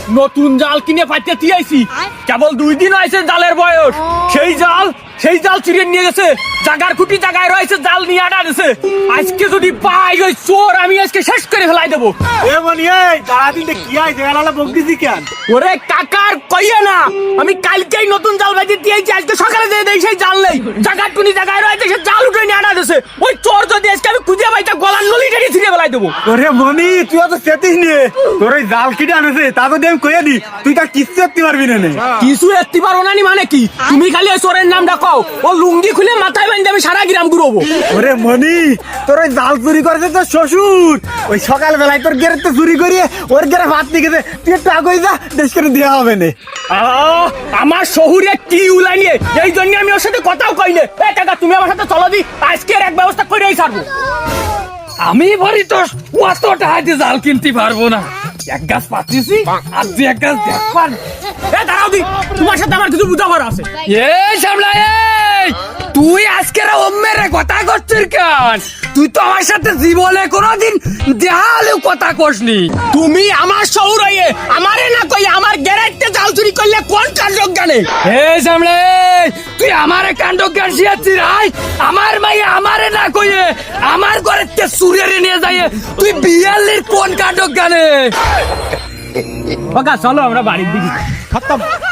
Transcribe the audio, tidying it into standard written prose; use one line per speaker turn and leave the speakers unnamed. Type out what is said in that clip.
নতুন জাল কিনে পাইতে দিয়েছি, কেবল 2 দিন হয়েছে জালের বয়স। সেই জাল চিড়ে নিয়ে গেছে, জাগার খুঁটি জায়গায় রয়েছে, জাল নিয়ে আনা দিছে। আজকে যদি পাই ওই চোর, আমি আজকে শেষ করে ফেলাই দেবো। ওরে কাকার কইয়ে না, আমি কালকেই নতুন জাল বাজি দিয়েছি, আজকে সকালে দিয়ে দেই সেই জাল নেই, জাগার টুনি জায়গায় রয়েছে, সে জাল উঠে নিয়ে আনা দিছে। ওই চোর যদি আজকে আমি খুঁজে পাই, তা গলার নলি টেনে ছিঁড়ে ফেলাই দেবো।
ওরে মনি, তুই তো সেতিস নিয়ে তোর ওই জাল কিনে আনেছে, তা তো আমি কইয়া দি, তুই তা কিচ্ছু করতে পারবি না।
কিছু এত্তি পারো না মানে কি? তুমি খালি ওই চোরের নামটা কও, ও লুঙ্গি খুলে মাথায় বাঁধতে আমি সারা গ্রাম ঘুরবো।
ওরে মনি, তোর ওই জাল চুরি করেছে তোর শ্বশুর, ওই সকাল বেলায় তোর গেরে তো চুরি করিয়ে ওর গেরে ভাত নিয়ে গেছে, তুই একটু আগে যা, দেশ করে দেওয়া হবে না।
আমার শহুরে কি উলাই নিয়ে, এই জন্য আমি ওর সাথে কথাও কইলে। এ কাকা, তুমি আমার সাথে চলো দি, আজকে এক ব্যবস্থা করেই ছাড়বো।
আমি ভরি তো কত টাকা দিয়ে জাল কিনতে পারবো না, এক গাছ পাচ্ছি আর 2 এক গাছ দেখবার।
এ দাঁড়াও দি, তোমার সাথে আমার কিছু বুঝাবার আছে।
এই সামলা, এই তুই আজকের অম্মেরে কথা করছিস কেন? তুই তো আমার সাথে জীবনে কোনোদিন দেখালেও কথা কসনি।
তুমি আমার শহুর হয়ে আমারে না কই আমার গ্যারেজতে জাল চুরি করলে কোন কাণ্ড জানে?
এই সামলা, এই তুই আমারে কাণ্ড জ্ঞান শিয়াচ্ছিস? আমার মাই আমারে না কইয়ে আমার ঘরেতে চুরিয়ে নিয়ে যাইয়ে তুই বিয়াল্লির কোন কাণ্ড জ্ঞানে?
কাকা চলো আমরা বাড়ির দিকে।
খতম।